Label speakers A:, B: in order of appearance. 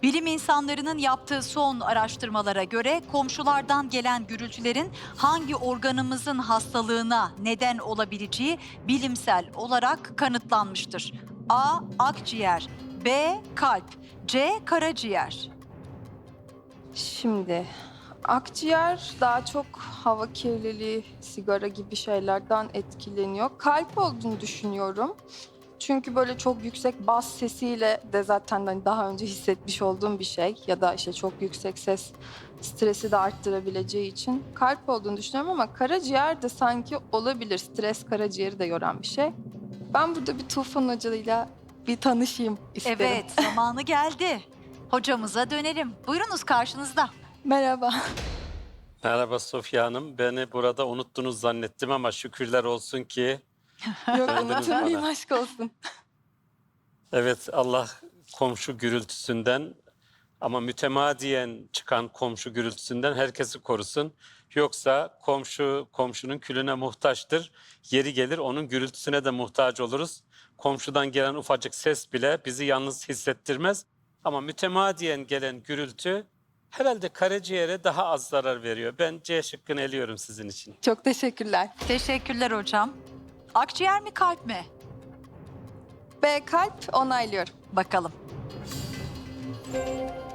A: Bilim insanlarının yaptığı son araştırmalara göre komşulardan gelen gürültülerin hangi organımızın hastalığına neden olabileceği bilimsel olarak kanıtlanmıştır. A. Akciğer, B. Kalp, C. Karaciğer.
B: Şimdi akciğer daha çok hava kirliliği, sigara gibi şeylerden etkileniyor. Kalp olduğunu düşünüyorum. Çünkü böyle çok yüksek bas sesiyle de zaten hani daha önce hissetmiş olduğum bir şey. Ya da işte çok yüksek ses stresi de arttırabileceği için kalp olduğunu düşünüyorum ama karaciğer de sanki olabilir. Stres karaciğeri de yoran bir şey. Ben burada bir Tufan Hoca'yla bir tanışayım isterim.
A: Evet, zamanı geldi. Hocamıza dönelim. Buyurunuz, karşınızda.
B: Merhaba.
C: Merhaba Sofya Hanım. Beni burada unuttunuz zannettim ama şükürler olsun ki
B: Yok
C: döndünüz
B: unutmayayım,
C: bana.
B: aşk olsun.
C: Evet, Allah komşu gürültüsünden ama mütemadiyen çıkan komşu gürültüsünden herkesi korusun. Yoksa komşu komşunun külüne muhtaçtır. Yeri gelir onun gürültüsüne de muhtaç oluruz. Komşudan gelen ufacık ses bile bizi yalnız hissettirmez. Ama mütemadiyen gelen gürültü herhalde karaciğere daha az zarar veriyor. Ben C şıkkını eliyorum sizin için.
B: Çok teşekkürler.
A: Teşekkürler hocam. Akciğer mi, kalp mi?
B: B kalp, onaylıyorum.
A: Bakalım.